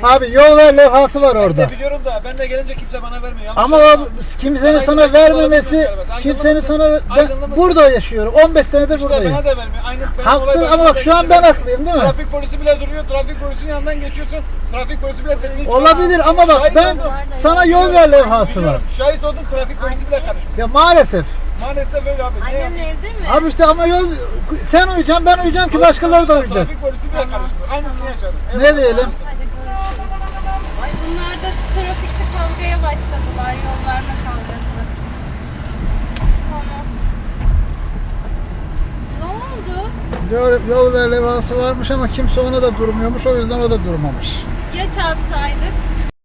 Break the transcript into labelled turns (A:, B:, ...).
A: Abi yol ver levhası var orada.
B: Ben de biliyorum da ben de gelince kimse bana vermiyor. Yanlış
A: Ama o
B: anlama.
A: kimsenin
B: Sana
A: sana
B: aydınlık
A: vermemesi,
B: olabilir mi?
A: kimsenin sana
B: Aydınlı
A: ben
B: mısın?
A: burada yaşıyorum. 15 senedir
B: İşte
A: buradayım.
B: bana da vermiyor. Aynı benim
A: Haklı
B: olay
A: ama bak şu an ben haklıyım değil mi?
B: Trafik polisi bile duruyor. Trafik polisinin yanından geçiyorsun. Trafik polisi bile sesini çıkarıyor.
A: Olabilir ama bak
B: Şahit
A: ben
B: oldum.
A: sana yol ver levhası var.
B: Biliyorum, şahit oldum, trafik polisi bile karışmıyor.
A: Ya maalesef.
B: Maalesef öyle abi. Ne
C: Annem
B: yapayım?
C: evde mi?
A: Abi işte ama yol sen uyuyacaksın ben uyuyacağım ki başkaları da uyuyacak.
B: Trafik polisi bile karışmıyor. Aynısını yaşadım.
A: Ne diyelim?
C: Hadi görüşürüz. Ay bunlar da trafikte kavgaya başladılar. Yol verme kavgası. Tamam. Ne oldu?
A: Yol ver levhası varmış ama kimse ona da durmuyormuş, o yüzden o da durmamış.
C: Ya çarpsaydık?